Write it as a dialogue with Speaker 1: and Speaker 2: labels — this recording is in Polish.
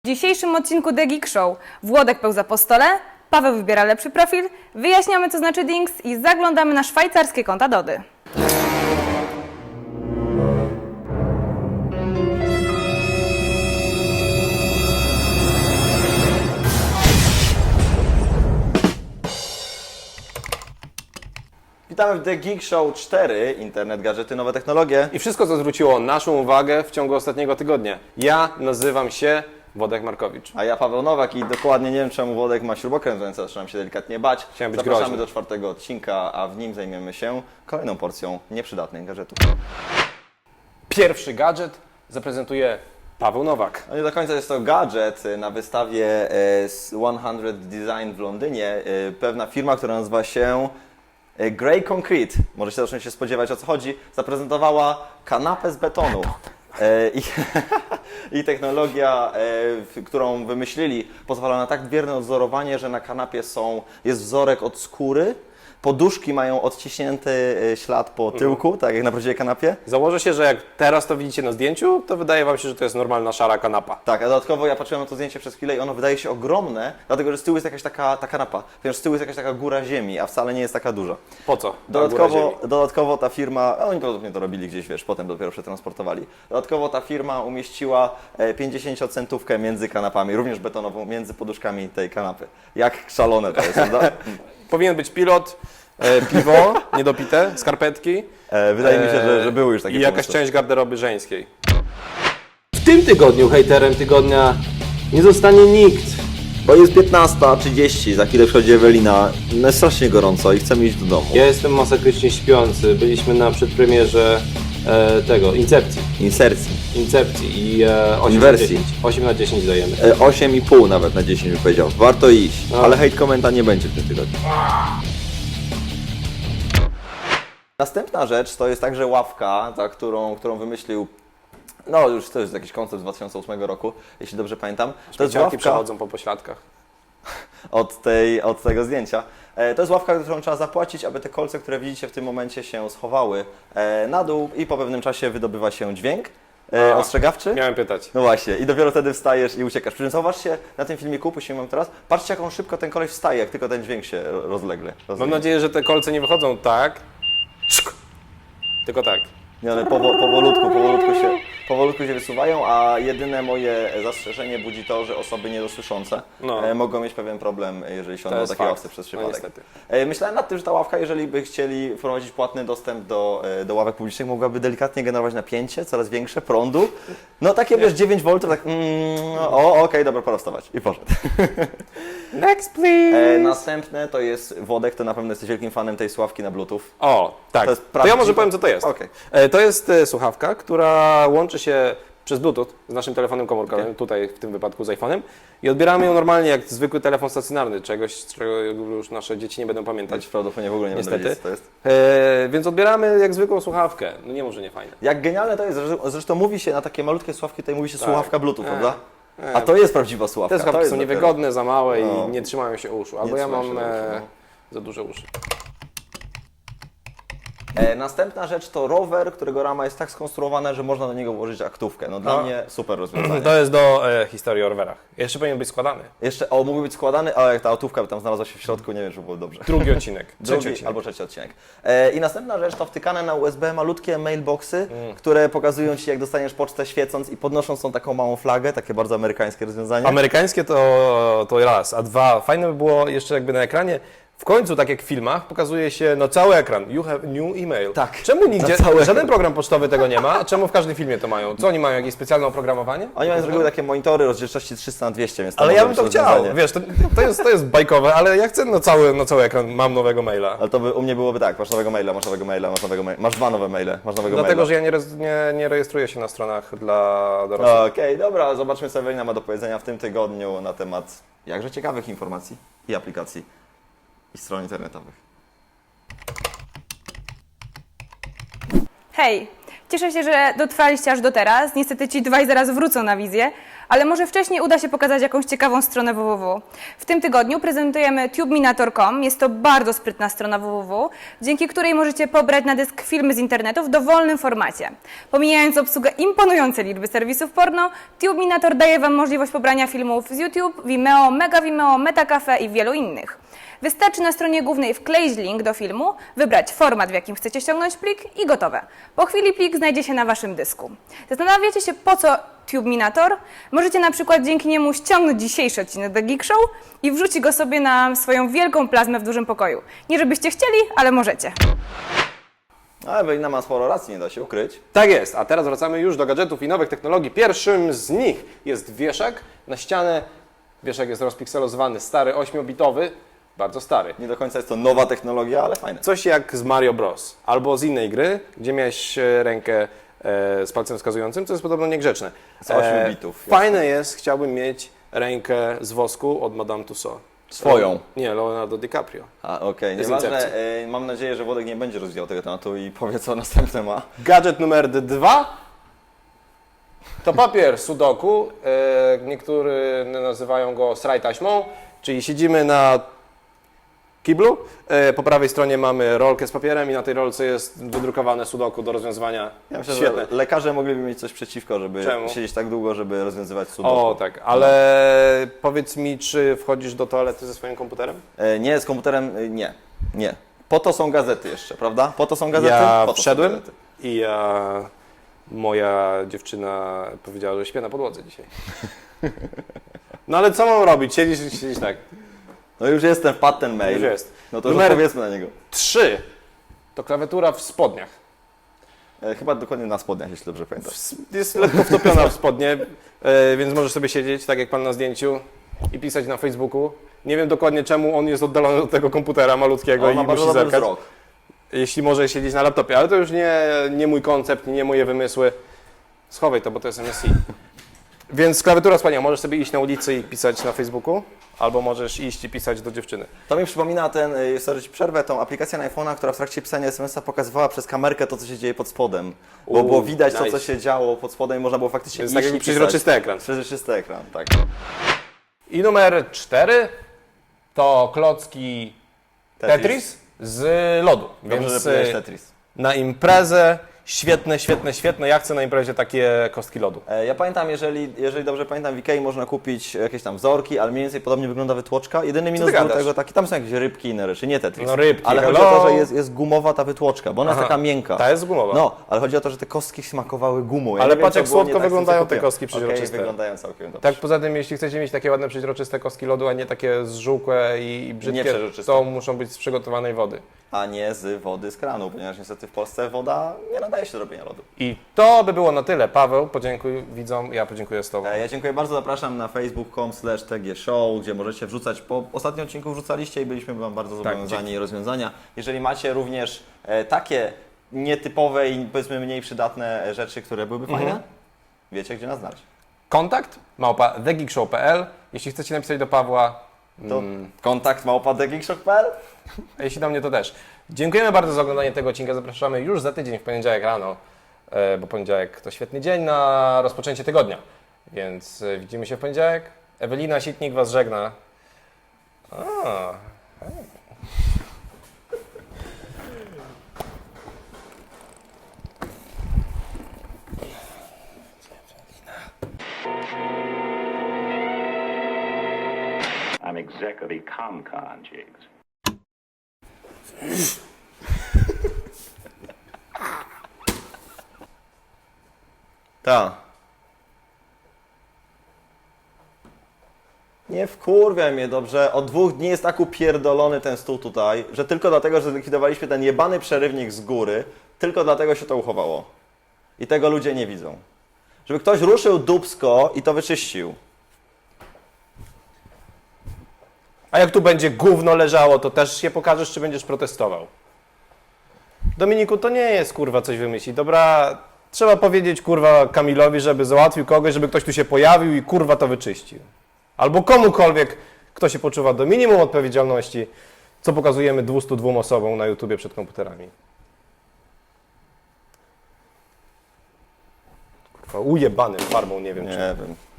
Speaker 1: W dzisiejszym odcinku The Geek Show Włodek pełza po stole, Paweł wybiera lepszy profil, wyjaśniamy co znaczy Dings i zaglądamy na szwajcarskie konta Dody.
Speaker 2: Witamy w The Geek Show 4, internet, gadżety, nowe technologie.
Speaker 3: I wszystko, co zwróciło naszą uwagę w ciągu ostatniego tygodnia. Ja nazywam się Włodek Markowicz.
Speaker 2: A ja Paweł Nowak i dokładnie nie wiem czemu Włodek ma śrubokręt, więc zaczynam się delikatnie bać.
Speaker 3: Chciałem być
Speaker 2: Zapraszamy
Speaker 3: groźny.
Speaker 2: do czwartego odcinka, a w nim zajmiemy się kolejną porcją nieprzydatnych gadżetów.
Speaker 3: Pierwszy gadżet zaprezentuje Paweł Nowak.
Speaker 2: No nie do końca jest to gadżet. Na wystawie 100 Design w Londynie pewna firma, która nazywa się Grey Concrete, możecie zacząć się spodziewać o co chodzi, zaprezentowała kanapę z betonu. I technologia, którą wymyślili, pozwala na tak bierne odzorowanie, że na kanapie jest wzorek od skóry, poduszki mają odciśnięty ślad po tyłku, tak jak na prawdziwej kanapie.
Speaker 3: Założę się, że jak teraz to widzicie na zdjęciu, to wydaje Wam się, że to jest normalna szara kanapa.
Speaker 2: Tak, a dodatkowo ja patrzyłem na to zdjęcie przez chwilę i ono wydaje się ogromne, dlatego że z tyłu jest jakaś ta kanapa, ponieważ z tyłu jest jakaś taka góra ziemi, a wcale nie jest taka duża.
Speaker 3: Po co? Ta góra ziemi?
Speaker 2: Dodatkowo ta firma, oni podobnie to robili gdzieś, wiesz, potem dopiero przetransportowali. Dodatkowo ta firma umieściła 50-centówkę między kanapami, również betonową, między poduszkami tej kanapy. Jak szalone to jest, prawda?
Speaker 3: Powinien być pilot, piwo niedopite, skarpetki.
Speaker 2: Wydaje mi się, że były już takie
Speaker 3: i jakaś
Speaker 2: pomysły.
Speaker 3: część garderoby żeńskiej.
Speaker 4: W tym tygodniu hejterem tygodnia nie zostanie nikt.
Speaker 2: Bo jest 15:30, za chwilę przychodzi Ewelina, no jest strasznie gorąco i chcemy iść do domu.
Speaker 4: Ja jestem masakrycznie śpiący. Byliśmy na przedpremierze Incepcji i 8
Speaker 2: Inwersji.
Speaker 4: na 10. 8 na 10 dajemy.
Speaker 2: 8,5 nawet na 10 bym powiedział. Warto iść, ale hejt komenta nie będzie w tym tygodniu. Następna rzecz to jest także ławka, którą wymyślił, no już to jest jakiś koncept z 2008 roku, jeśli dobrze pamiętam. To jest
Speaker 3: Śmieciarki
Speaker 2: ławka
Speaker 3: przechodzą po pośladkach.
Speaker 2: od tego zdjęcia. To jest ławka, którą trzeba zapłacić, aby te kolce, które widzicie w tym momencie się schowały na dół i po pewnym czasie wydobywa się dźwięk ostrzegawczy.
Speaker 3: Miałem pytać.
Speaker 2: No właśnie, i dopiero wtedy wstajesz i uciekasz. Przy czym zauważcie na tym filmiku, puścimy wam teraz, patrzcie jak on szybko ten koleś wstaje, jak tylko ten dźwięk się rozlegle.
Speaker 3: Mam nadzieję, że te kolce nie wychodzą tak, tylko tak.
Speaker 2: Nie, ale powolutku się wysuwają, a jedyne moje zastrzeżenie budzi to, że osoby niedosłyszące mogą mieć pewien problem, jeżeli się
Speaker 3: To
Speaker 2: na
Speaker 3: jest
Speaker 2: takiej
Speaker 3: fakt.
Speaker 2: ławce przez
Speaker 3: No
Speaker 2: przypadek.
Speaker 3: niestety.
Speaker 2: Myślałem nad tym, że ta ławka, jeżeli by chcieli wprowadzić płatny dostęp do ławek publicznych, mogłaby delikatnie generować napięcie, coraz większe, prądu. No takie wiesz, 9 V, tak okej, dobra, pora wstawać. I poszedł.
Speaker 3: Next please!
Speaker 2: Następne to jest Włodek, to na pewno jesteś wielkim fanem tej sławki na Bluetooth.
Speaker 3: O, tak.
Speaker 2: To jest
Speaker 3: To ja
Speaker 2: prawdziwe?
Speaker 3: może powiem, co to jest.
Speaker 2: Okej.
Speaker 3: To jest słuchawka, która łączy się przez Bluetooth z naszym telefonem komórkowym, tutaj w tym wypadku z iPhone'em i odbieramy ją normalnie jak zwykły telefon stacjonarny, czegoś, czego już nasze dzieci nie będą pamiętać.
Speaker 2: Prawdopodobnie w ogóle nie będę
Speaker 3: Niestety.
Speaker 2: wiedzieć, co to jest.
Speaker 3: Więc odbieramy jak zwykłą słuchawkę. No nie może nie fajne.
Speaker 2: Jak genialne to jest, zresztą mówi się na takie malutkie słuchawki, tutaj mówi się słuchawka Bluetooth, prawda?
Speaker 3: E.
Speaker 2: A to jest prawdziwa słuchawka.
Speaker 3: Te słuchawki są
Speaker 2: dopiero-
Speaker 3: niewygodne, za małe
Speaker 2: No.
Speaker 3: i nie trzymają się uszu. Albo ja
Speaker 2: trzymają
Speaker 3: mam
Speaker 2: się do uszu,
Speaker 3: za duże uszy.
Speaker 2: Następna rzecz to rower, którego rama jest tak skonstruowana, że można do niego włożyć aktówkę. No dla mnie super rozwiązanie.
Speaker 3: To jest do historii o rowerach. Jeszcze powinien być składany.
Speaker 2: Jeszcze, mógłby być składany, ale jak ta aktówka by tam znalazła się w środku, nie wiem, czy było dobrze.
Speaker 3: Drugi odcinek. Trzeci
Speaker 2: Drugi
Speaker 3: odcinek.
Speaker 2: albo trzeci odcinek. I następna rzecz to wtykane na USB malutkie mailboxy, które pokazują Ci, jak dostaniesz pocztę świecąc i podnosząc tą taką małą flagę, takie bardzo amerykańskie rozwiązanie.
Speaker 3: Amerykańskie to raz, a dwa, fajne by było jeszcze jakby na ekranie, w końcu, tak jak w filmach, pokazuje się cały ekran. You have new email.
Speaker 2: Tak.
Speaker 3: Czemu nigdzie,
Speaker 2: Na cały
Speaker 3: żaden program pocztowy tego nie ma, a czemu w każdym filmie to mają? Co oni mają, jakieś specjalne oprogramowanie?
Speaker 2: Oni mają z reguły takie monitory rozdzielczości 300:200, więc to
Speaker 3: Ale
Speaker 2: może
Speaker 3: ja bym
Speaker 2: być
Speaker 3: to chciał,
Speaker 2: rozwiązanie.
Speaker 3: wiesz, to jest bajkowe, ale ja chcę na cały ekran, mam nowego maila.
Speaker 2: Ale to by u mnie byłoby tak, masz nowego maila, masz nowego maila, masz nowego maila, masz dwa nowe maile, masz nowego
Speaker 3: Dlatego,
Speaker 2: maila.
Speaker 3: że ja nie rejestruję się na stronach dla dorosłych.
Speaker 2: Okej, dobra, zobaczmy co Ewelina ma do powiedzenia w tym tygodniu na temat jakże ciekawych informacji i aplikacji i stron internetowych.
Speaker 1: Hej! Cieszę się, że dotrwaliście aż do teraz. Niestety ci dwaj zaraz wrócą na wizję, ale może wcześniej uda się pokazać jakąś ciekawą stronę www. W tym tygodniu prezentujemy tubeminator.com. Jest to bardzo sprytna strona www, dzięki której możecie pobrać na dysk filmy z internetu w dowolnym formacie. Pomijając obsługę imponującej liczby serwisów porno, Tubeminator daje Wam możliwość pobrania filmów z YouTube, Vimeo, Mega Vimeo, Metacafe i wielu innych. Wystarczy na stronie głównej wkleić link do filmu, wybrać format, w jakim chcecie ściągnąć plik i gotowe. Po chwili plik znajdzie się na Waszym dysku. Zastanawiacie się, po co Tubeminator? Możecie na przykład dzięki niemu ściągnąć dzisiejszy odcinek The Geek Show i wrzucić go sobie na swoją wielką plazmę w dużym pokoju. Nie żebyście chcieli, ale możecie.
Speaker 2: Ale Ewelina ma sporo racji, nie da się ukryć.
Speaker 3: Tak jest, a teraz wracamy już do gadżetów i nowych technologii. Pierwszym z nich jest wieszak na ścianę. Wieszak jest rozpikselowany, stary, 8-bitowy, bardzo stary.
Speaker 2: Nie do końca jest to nowa technologia, ale fajne.
Speaker 3: Coś jak z Mario Bros. Albo z innej gry, gdzie miałeś rękę z palcem wskazującym, co jest podobno niegrzeczne.
Speaker 2: Z 8 bitów,
Speaker 3: Fajne jest, chciałbym mieć rękę z wosku od Madame Tussauds.
Speaker 2: Swoją.
Speaker 3: Nie, Leonardo DiCaprio.
Speaker 2: A, okej,
Speaker 3: Bez
Speaker 2: nieważne.
Speaker 3: incepcji.
Speaker 2: Mam nadzieję, że Włodek nie będzie rozwijał tego tematu i powie, co następne ma.
Speaker 3: Gadżet numer 2 to papier sudoku. Niektórzy nazywają go sraj taśmą, czyli siedzimy na kiblu. Po prawej stronie mamy rolkę z papierem i na tej rolce jest wydrukowane sudoku do rozwiązywania.
Speaker 2: Ja myślę,
Speaker 3: Świetne.
Speaker 2: że lekarze mogliby mieć coś przeciwko, żeby
Speaker 3: Czemu?
Speaker 2: siedzieć tak długo, żeby rozwiązywać sudoku.
Speaker 3: O tak, ale powiedz mi, czy wchodzisz do toalety ze swoim komputerem?
Speaker 2: Nie, z komputerem nie. Nie. Po to są gazety jeszcze, prawda? Po to są gazety?
Speaker 3: Ja
Speaker 2: Po to są
Speaker 3: wszedłem
Speaker 2: gazety.
Speaker 3: i moja dziewczyna powiedziała, że śpię na podłodze dzisiaj. No ale co mam robić? Siedzieć tak.
Speaker 2: No już jestem, wpadł ten mail.
Speaker 3: Już jest.
Speaker 2: No to już
Speaker 3: Numer-
Speaker 2: odpowiedzmy na niego.
Speaker 3: 3 to klawiatura w spodniach.
Speaker 2: Chyba dokładnie na spodniach, jeśli dobrze pamiętam.
Speaker 3: Jest lekko wtopiona w spodnie, więc możesz sobie siedzieć, tak jak pan na zdjęciu, i pisać na Facebooku. Nie wiem dokładnie czemu on jest oddalony od tego komputera malutkiego
Speaker 2: On
Speaker 3: i
Speaker 2: ma bardzo
Speaker 3: musi
Speaker 2: dobry
Speaker 3: zerkać.
Speaker 2: wzrok.
Speaker 3: Jeśli może siedzieć na laptopie, ale to już nie mój koncept, nie moje wymysły. Schowaj to, bo to jest MSI. Więc klawiatura wspaniała. Możesz sobie iść na ulicy i pisać na Facebooku, albo możesz iść i pisać do dziewczyny.
Speaker 2: To mi przypomina sorry, ci przerwę, tą aplikację na iPhone'a, która w trakcie pisania SMS-a pokazywała przez kamerkę to, co się dzieje pod spodem. Bo było widać to,
Speaker 3: nice.
Speaker 2: co się działo pod spodem i można było faktycznie
Speaker 3: Więc
Speaker 2: iść
Speaker 3: tak
Speaker 2: i
Speaker 3: jakby
Speaker 2: pisać.
Speaker 3: przeźroczysty ekran.
Speaker 2: Przeźroczysty ekran, tak.
Speaker 3: I numer 4 to klocki Tetris z lodu.
Speaker 2: Dobrze,
Speaker 3: Więc
Speaker 2: że powiedziałeś Tetris.
Speaker 3: na imprezę świetne. Ja chcę na imprezie takie kostki lodu.
Speaker 2: Ja pamiętam, jeżeli dobrze pamiętam, w Ikei można kupić jakieś tam wzorki, ale mniej więcej podobnie wygląda wytłoczka. Jedyny minus
Speaker 3: ty
Speaker 2: był
Speaker 3: gadasz?
Speaker 2: tego taki, tam są jakieś rybki i inne rzeczy, nie Tetris.
Speaker 3: No rybki,
Speaker 2: ale chodzi
Speaker 3: hello.
Speaker 2: o to, że jest gumowa ta wytłoczka, bo ona jest
Speaker 3: Aha,
Speaker 2: taka miękka.
Speaker 3: ta jest gumowa.
Speaker 2: No, ale chodzi o to, że te kostki smakowały gumą. Ja
Speaker 3: Ale
Speaker 2: nie wiem,
Speaker 3: patrz,
Speaker 2: co
Speaker 3: jak
Speaker 2: było
Speaker 3: słodko
Speaker 2: nie tak z tym, co
Speaker 3: wyglądają te
Speaker 2: kupiłem.
Speaker 3: kostki przeźroczyste.
Speaker 2: Okej, wyglądają całkiem dobrze.
Speaker 3: Tak, poza tym, jeśli chcecie mieć takie ładne, przeźroczyste kostki lodu, a nie takie zżółkłe i brzydkie,
Speaker 2: Nieprzezroczyste.
Speaker 3: to muszą być z przygotowanej wody.
Speaker 2: A nie z wody z kranu, ponieważ niestety w Polsce woda nie nadaje się do robienia lodu.
Speaker 3: I to by było na tyle. Paweł, podziękuj widzom, ja podziękuję z Tobą.
Speaker 2: Ja dziękuję bardzo, zapraszam na facebook.com/tgshow, gdzie możecie wrzucać, po ostatnim odcinku wrzucaliście i byliśmy Wam bardzo zobowiązani rozwiązania. Jeżeli macie również takie nietypowe i powiedzmy mniej przydatne rzeczy, które byłyby fajne, wiecie gdzie nas znaleźć.
Speaker 3: Kontakt @thegeekshow.pl. Jeśli chcecie napisać do Pawła,
Speaker 2: To kontakt@thegeekshow.pl.
Speaker 3: a jeśli do mnie, to też. Dziękujemy bardzo za oglądanie tego odcinka. Zapraszamy już za tydzień w poniedziałek rano, bo poniedziałek to świetny dzień na rozpoczęcie tygodnia. Więc widzimy się w poniedziałek. Ewelina Sitnik Was żegna.
Speaker 5: I'm exec of Ecomcon, Jigs.
Speaker 2: Tak. Nie wkurwiaj mnie, dobrze? Od 2 dni jest tak upierdolony ten stół tutaj, że tylko dlatego, że zlikwidowaliśmy ten jebany przerywnik z góry, tylko dlatego się to uchowało. I tego ludzie nie widzą. Żeby ktoś ruszył dupsko i to wyczyścił.
Speaker 3: A jak tu będzie gówno leżało, to też się pokażesz, czy będziesz protestował. Dominiku, to nie jest kurwa coś wymyślić. Dobra, trzeba powiedzieć kurwa Kamilowi, żeby załatwił kogoś, żeby ktoś tu się pojawił i kurwa to wyczyścił. Albo komukolwiek, kto się poczuwa do minimum odpowiedzialności, co pokazujemy 202 osobom na YouTubie przed komputerami. Kurwa, ujebanym farbą, nie wiem czy.
Speaker 2: Nie wiem.